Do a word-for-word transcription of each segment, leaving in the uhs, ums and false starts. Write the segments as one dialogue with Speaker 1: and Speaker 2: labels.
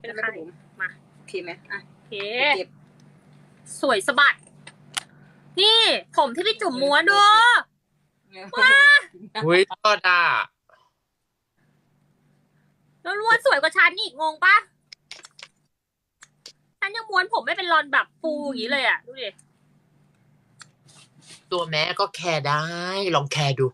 Speaker 1: เป็นใครมา
Speaker 2: โอเคไหมอ่ะ
Speaker 1: โอเคสวยสะบัดนี่ผมที่พี่จุ๋มม้วนดูว้า
Speaker 3: อุ้ยก็ด่า
Speaker 1: แล้วล้วนสวยกว่าฉันอีกงงปะฉันยังม้วนผมไม่เป็นรอนแบบฟูอย่างนี้เลยอ่ะดูดิ
Speaker 3: ตัวแม่ก็แคร์ได้ลองแคร์ดู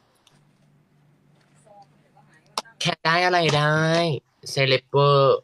Speaker 3: แคร์ได้อะไรได้เซเลบเวอร์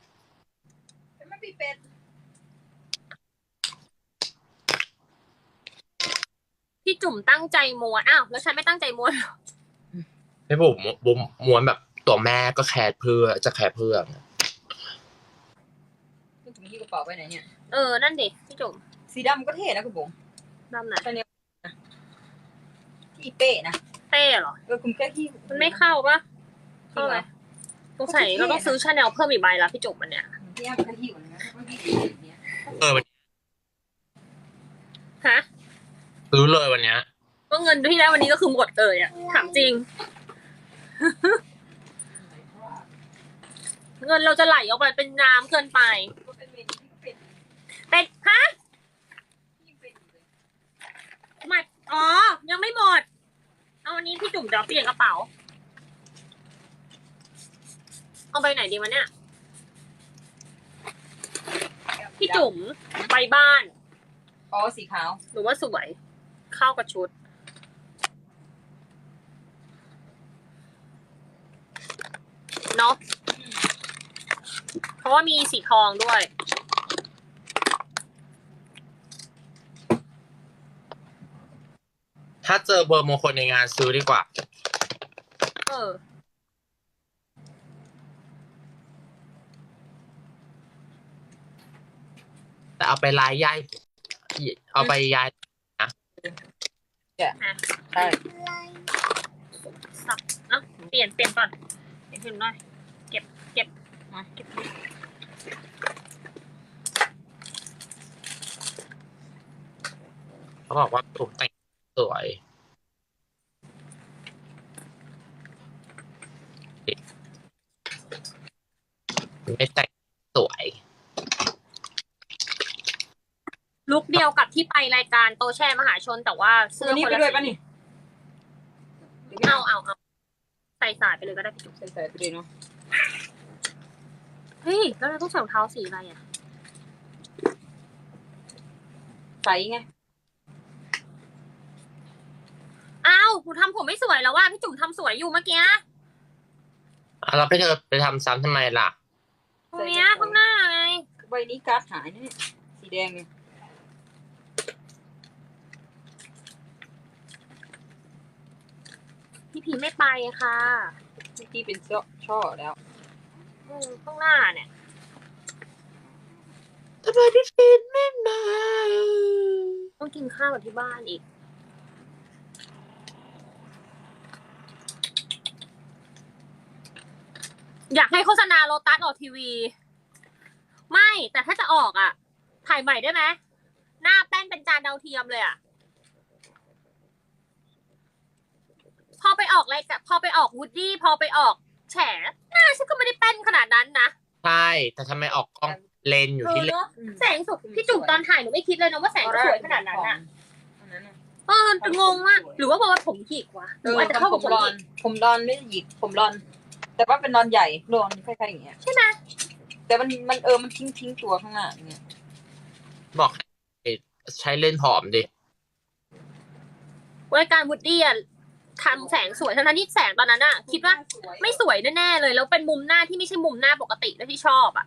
Speaker 1: พี่จุ๋มตั้งใจม้วนอ้าวแล้วฉันไม่ตั้งใจม้วนหรอ
Speaker 3: ไม่บุ๋มบุ๋มม้วนแบบตัวแม่ก็แคร์เพื่อจะแคร์เพื่อ
Speaker 2: คุณจุ๋มที่กระเป๋าไปไหนเนี่ย
Speaker 1: เออนั่นดิพี่จุ๋ม
Speaker 2: สีดำก็เท่นะคุณบุ๋ม
Speaker 1: ดำนะ
Speaker 2: ที่เป้นะ
Speaker 1: เป้เหรอ
Speaker 2: เออคุณแค่ที่
Speaker 1: มันไม่เข้าปะเข้าไหมสงสัยเราต้องซื้อชาแนลเพิ่มอีกใบละพี่จุ๋มมันเนี่ย
Speaker 2: ที่ย่าเป็นที่ก่อนนะ
Speaker 3: เออ
Speaker 1: ฮะ
Speaker 3: ซื้อเลยวันเนี้ย
Speaker 1: ก็เงินที่ได้วันนี้ก็คือหมดเลยอ่ะถามจริง เงินเราจะไหลออกไปเป็นน้ำเกินไปเป็นฮะมาอ๋อยังไม่หมดเอาวันนี้พี่จุ๋มเดี๋ยวเปลี่ยนกระเป๋าเอาไปไหนดีวะเนี่ยพี่จุ๋มไปบ้าน
Speaker 2: อ๋อสีขาว
Speaker 1: หรือว่าสวยเข้ากับชุดเนาะเพราะว่ามีสีทองด้วย
Speaker 3: ถ้าเจอเบอร์มงคลในงานซื้อดีกว่า
Speaker 1: เออ
Speaker 3: แต่เอาไปลายย้ายเอาไปย้ายนะ
Speaker 2: ใช่
Speaker 1: สับเนาะเปลี่ยนเปลี่ยนก่อนเปลี่ยนขึ้นหน่อยเก็บเก็บมาเก็บ
Speaker 3: เขาบอกว่าถูกแต่งสวยไม่แต่งสวย
Speaker 1: ลุคเดียวกับที่ไปรายการโตแช่มหาชนแต่ว่า
Speaker 2: เสื้อนี้ไปด้วยป่ะนี่
Speaker 1: เอาเอาเอาใส่สายไปเลยก็ได้พี่จุ๊บ
Speaker 2: ใส่สายไปเลยเนาะ
Speaker 1: เฮ้ยแล้วเราต้องใส่รองเท้าสีอะไรอ่ะ
Speaker 2: ใส่ไง
Speaker 1: อ้าวหนูทำผมไม่สวยแล้วว่าพี่จุ๋มทำสวยอยู่เมื่อกี้
Speaker 3: เราไปเธอไปทำซ้ำทำไมล่ะ
Speaker 1: ตรงเนี้ยข้างหน้าไง
Speaker 2: ใบนี้การ์ดหายนี่สีแดงไง
Speaker 1: พี่พีไม่ไปค่ะ
Speaker 2: พี่เป็นช่อช่อแล้ว
Speaker 1: ข้างหน้าเนี่ย
Speaker 3: ทำไมพี่พีไม่มา
Speaker 1: ต้องกินข้าวกับที่บ้านอีกอยากให้โฆษณาโลตัสออกทีวีไม่แต่ถ้าจะออกอ่ะถ่ายใหม่ได้ไหมหน้าแป้นเป็นจานดาวเทียมเลยอ่ะพอไปออกอะไรกับพอไปออกวูดดี้พอไปออกแฉหน้าฉันก็ไม่ได้แป้นขนาดนั้นนะ
Speaker 3: ใช่แต่ทำไมออกกล้องเลนอยู่ที่เลน
Speaker 1: แสงสุดพี่จุ๋มตอนถ่ายหนูไม่คิดเลยนะว่าแสงจะสวยขนาดนั้นอ่ะเอองงมากหรือว่าเพราะว่าผมหยิกวะหรือว่าจะเข้ากับผมหยิก
Speaker 2: ผมรอนไม่หยิกผมรอนแต่ว่าเป็นรอนใหญ่รอนคล้ายๆอย่างเงี้ย
Speaker 1: ใช่ไหม
Speaker 2: แต่มันมันเออมันทิ้งทิ้งตัวข้างหน้าอย่างเงี้ย
Speaker 3: บอกใช้เลนผอมดิ
Speaker 1: รายการวูดดี้อ่ะทำแสงสวยทั้งนั้นที่แสงตอนนั้นอะคิดว่าไม่สวยแน่ๆเลยแล้วเป็นมุมหน้าที่ไม่ใช่มุมหน้าปกติที่ชอบอะ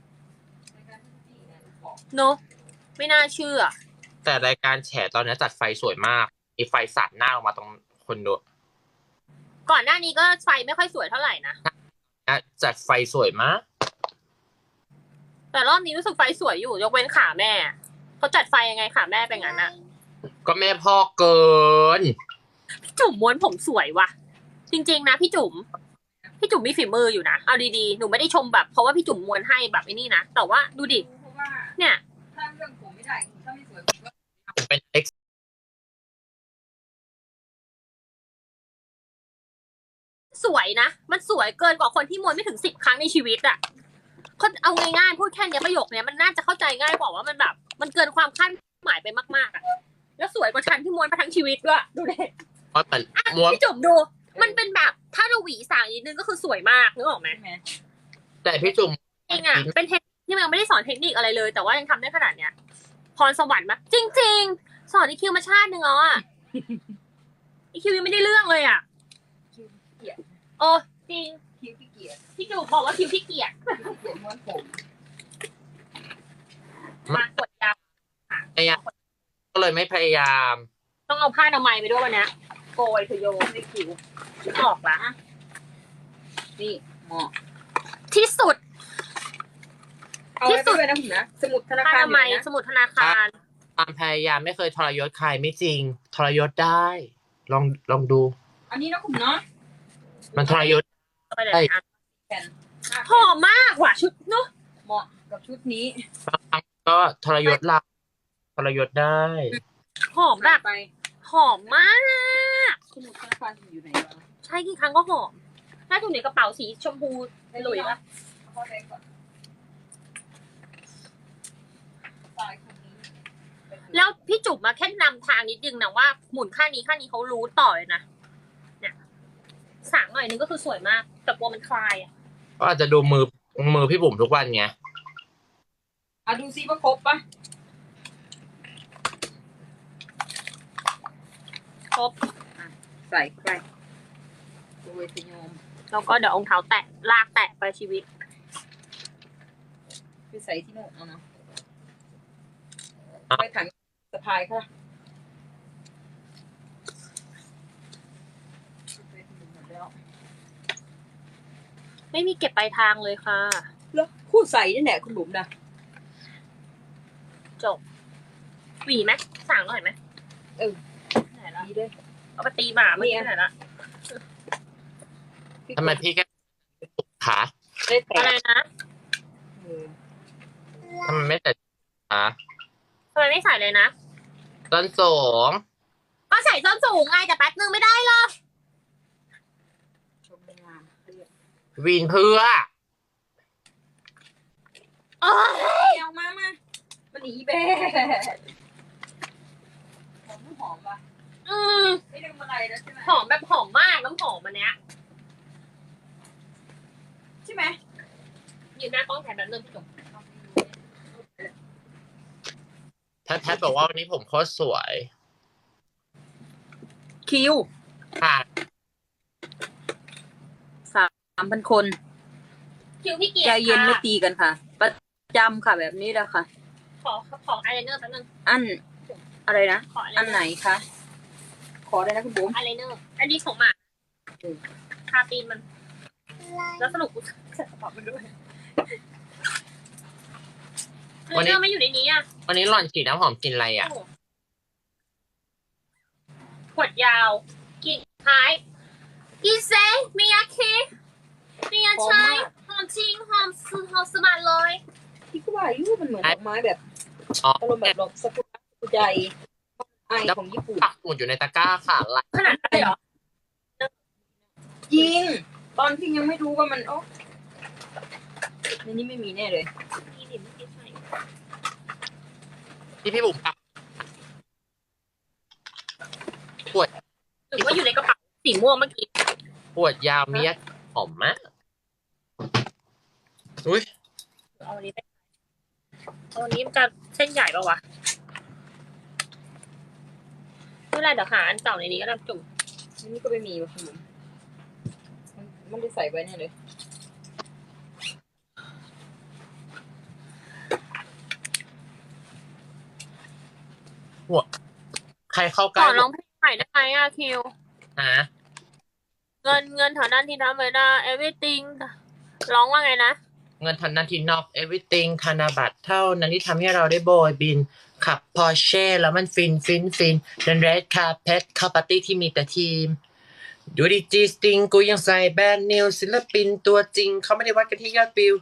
Speaker 1: เนอะไม่น่าเชื่อ
Speaker 3: แต่รายการแฉตอนนี้จัดไฟสวยมากมีไฟสาดหน้าออกมาตรงคนดู
Speaker 1: ก่อนหน้านี้ก็ไฟไม่ค่อยสวยเท่าไหร่นะ
Speaker 3: จัดไฟสวยมาก
Speaker 1: แต่รอบนี้รู้สึกไฟสวยอยู่ยกเว้นขาแม่เขาจัดไฟยังไงขาแม่เป็นงั้นอะ
Speaker 3: ก็แม่พ่อเกิน
Speaker 1: พี่จุ๋มม้วนผมสวยว่ะจริงๆนะพี่จุ๋มพี่จุ๋มมีฝีมืออยู่นะเอาดีๆหนูไม่ได้ชมแบบเพราะว่าพี่จุ๋มม้วนให้แบบไอ้นี่นะแต่ว่าดูดิเนี่ย
Speaker 2: ถ้าเรื่องผมไม่ได้ถ้าไม่สวย
Speaker 3: เป็นเอ็กซ์
Speaker 1: สวยนะมันสวยเกินกว่าคนที่ม้วนไม่ถึงสิบครั้งในชีวิตอะเขาเอาง่ายๆพูดแค่เนี้ยประโยคเนี้ยมันน่าจะเข้าใจง่ายกว่าว่ามันแบบ มันเกินความคาดหมายไปมากๆอะแล้วสวยกว่าฉันที่ม้วนมาทั้งชีวิตด้วยดูดิ
Speaker 3: เพราะมันม้วน
Speaker 1: พี่จุ๋มดู มันเป็นแบบถ้าเราหวีสางนิดนึงก็คือสวยมากนึกออกไหม
Speaker 2: ใช่ไหม
Speaker 3: แต่พี่จุ๋ม
Speaker 1: จริงอ่ะเป็นเทคนิคที่มันไม่ได้สอนเทคนิคอะไรเลย แต่ว่ายังทำได้ขนาดเนี้ยพรสวรรค์มะจริง ๆ สอนอีคิวมาชาติหนึ่งแล้วอ่ะ อีคิวยังไม่ได้เรื่องเลยอ่ะ
Speaker 2: คิวขี้เกียจ
Speaker 1: โอ้จริง
Speaker 2: คิวขี้เกียจ
Speaker 1: พี่จุ๋มบอกว่าคิวขี้เกียจ
Speaker 2: คิวขี้เกียจม้วนผม
Speaker 1: มากดยาว
Speaker 3: พยายามก็เลยไม่พยายาม
Speaker 1: ต้องเอาผ้าอนามัยไปด้วยวันเนี้ยโกยคือโยนให้คิวออกละ
Speaker 2: นี่เหมาะ
Speaker 1: ที่สุด
Speaker 2: เอาไว้ด้วยนะผมนะสมุดธนา
Speaker 1: ผ้า
Speaker 2: คาร
Speaker 1: อนามัย
Speaker 2: อยู่นะ
Speaker 1: สมุดธนาคาร
Speaker 3: ความพยายามไม่เคยทรยศใครไม่จริง ทรยศได้ ลองลองดู
Speaker 2: อันนี้นะผมเนาะ
Speaker 3: มันทรยศ
Speaker 1: ไปเลย
Speaker 3: ใช่
Speaker 1: อ่ะ
Speaker 2: แผ่นห้า
Speaker 1: หอมมากว่ะชุดเนาะ
Speaker 2: เหมาะกับชุดนี้
Speaker 3: บางครั้งก็ทรยศเราทรยศได้
Speaker 1: หอมแบบ
Speaker 2: ไป
Speaker 1: หอมมาก
Speaker 2: สมุดธนาคารอยู่ไหนวะ
Speaker 1: ใช้กี่ครั้งก็หอมน่าจะอยู่ในกระเป๋าสีชมพูหลุยปะ
Speaker 2: เอาเข้าไปก่อนตายคนนี้
Speaker 1: แล้วพี่จุ๋มมาแค่นำทางนิดนึงนะว่าหมุนข้างนี้ข้างนี้เขารู้ต่อเลยนะเนี่ยสางหน่อยนึงก็คือสวยมาก แต่กลัวมันคลายอ่ะ
Speaker 3: ก็อาจจะดูมือมือพี่บุ๋มทุกวันไง
Speaker 2: อ่ะดูซิว่าครบปะ
Speaker 1: ครบ
Speaker 2: ใส่ไปโดยสยม
Speaker 1: แล้วก็เดี๋ยวองเท้าแตะลากแตะไปชีวิต
Speaker 2: ไปใส่ที่โน่นเอาเนาะ
Speaker 3: อ่ะ
Speaker 2: ไปถังสะพายค่ะไปถึงหมดแล้ว
Speaker 1: ไม่มีเก็บปลายทางเลยค่ะ
Speaker 2: แล้วคู่ใส่นี่แหละคุณบุ๋มนะ
Speaker 1: จบหวีไหมสางหน่อยไหม
Speaker 2: เออ
Speaker 1: ไหนละ
Speaker 2: ดีเลย
Speaker 1: เอาไปตีหมาเมื่อกี้ไหนละ
Speaker 3: ทำไมพี่แค่ขา
Speaker 2: ได้แต่
Speaker 1: อะไรนะ
Speaker 2: เออ
Speaker 3: ทำไมไม่แต่ขา
Speaker 1: ทำไมไม่ใส่เลยนะ
Speaker 3: ต้นสูง
Speaker 1: ก็ใส่ส้นสูงไงแต่แป๊บนึงไม่ได้หรอก
Speaker 2: ชมงามเรียบ
Speaker 3: วีนเพื่อ
Speaker 1: โอ้ย
Speaker 2: เอามามามันหนีแบ่หอมหอมปะ
Speaker 1: อืม
Speaker 2: ไม่ลืมอะไรแล้วใช่ไหม
Speaker 1: หอมแบบหอมมากน้ำหอมอันเนี้ย
Speaker 2: ใช่ไหม
Speaker 1: ยืนหน้ากล้องแทนแบบนึงพี่จุ๋ม
Speaker 3: แพทแพทบอกว่าวันนี้ผมโคตรสวย
Speaker 2: คิว
Speaker 3: ค่ะ
Speaker 2: สามพันคน
Speaker 1: คิวพี่เกียร
Speaker 2: ใจ
Speaker 1: ติ
Speaker 2: เย็นไม่
Speaker 1: ค่ะ
Speaker 2: ตีกันค่ะ ประจำค่ะแบบนี้แหละค่ะ
Speaker 1: ขอขออายไลเนอร์แป๊บนึง
Speaker 2: อันอะไรนะ
Speaker 1: ขออายไล
Speaker 2: อัน
Speaker 1: เน
Speaker 2: ไหน
Speaker 1: อร์
Speaker 2: คะ ขอได้นะคุณบุ๋ม
Speaker 1: อายไลเนอร์อันนี้ของหมา
Speaker 2: อืม
Speaker 1: ทาตีนมัน แล้วสรุปกูใส่กระเป๋ามันด้วยอายไลเนอร์ไม่อยู่ในนี้อ่ะ
Speaker 3: วันนี้หล่อนฉีดน้ำหอมกลินอะไรอ่ะ
Speaker 1: ขวดยาวกลิ่นคล้ายอีเซมิยาคิมิยาชัยหอมจริงหอมซื้อหอมสบายเลย
Speaker 2: พี่ก็ว่าอายุมันเหมือนดอกไม้แบบ
Speaker 3: อ๋อ
Speaker 2: อารมณ์แบบดอกสกุลใจไอของญี่ปุ่น
Speaker 3: ปักหมุดอยู่ในตะกร้าค่ะลาย
Speaker 1: ขนาดนั้นเลยเหรอ
Speaker 2: จริง ตอนที่ยังไม่รู้ว่ามันโอ้ในนี้ไม่มีแน่เลย
Speaker 1: นี่ดิไม่ใช่
Speaker 3: ที่พี่บุ๋มปักขวด
Speaker 1: หรือว่าอยู่ในกระเป๋าสีม่วงเมื่อกี้
Speaker 3: ขวดยาวมียหอมมากอุ้ย
Speaker 1: เอาอันนี้ไปเอาอันนี้มันจะเส้นใหญ่ปะวะไม่เป็นไรเดี๋ยวหาอันเก่าในนี้ก็ได้จุ่ม
Speaker 2: อันนี้ก็ไม่มีว่ะคุณบุ๋มมันมันได้ใส่ไว้แน่เลย
Speaker 3: ใครเข้าใก
Speaker 1: ข
Speaker 3: ล้
Speaker 1: อร้องเพลงใหม่ได้ไหมอะคิว
Speaker 3: ฮะ
Speaker 1: เงินเงินเท่านั้นที่ทำไม่ได้ everything ร้องว่าไงนะ
Speaker 3: เงินทันนันทีนอก everything ธนบัตรเท่านั้นที่ทำให้เราได้โบยบิน ขับพอร์เช่แล้วมันฟินฟินฟินเดินเรดคาร์เพทเข้าปาร์ตี้ที่มีแต่ทีม ดูดิจีสติงกูยังใส่แบรนด์นิวศิลปินตัวจริง เขาไม่ได้วัดกันที่ยอดวิว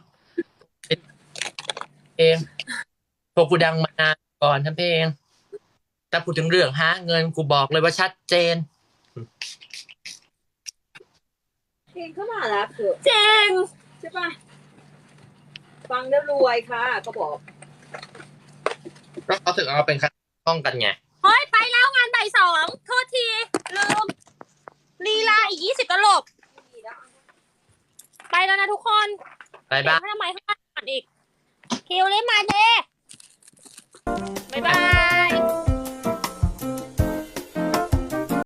Speaker 3: เองพวกกูดังมานานก่อนทำเพลงแต่พูดถึงเรื่องหาเงินกูบอกเลยว่าชัดเจน
Speaker 2: เพลงเข้ามาแล้วเถอะ
Speaker 1: เจง
Speaker 2: ใช่ปะฟังแล้วรวยค่ะเขาบอก
Speaker 3: ก็เขาถึงเอาเป็นคต้องกันไง
Speaker 1: เฮ้ยไปแล้วงานบ่ายสองโทษทีลืมลีลาอีกยี่สิบตลบไปแล้วนะทุกคน
Speaker 3: บายบาย
Speaker 1: เดี๋ยวทำไมข้างหลังอีกคิวเล่นมาเด้บ๊ายบาย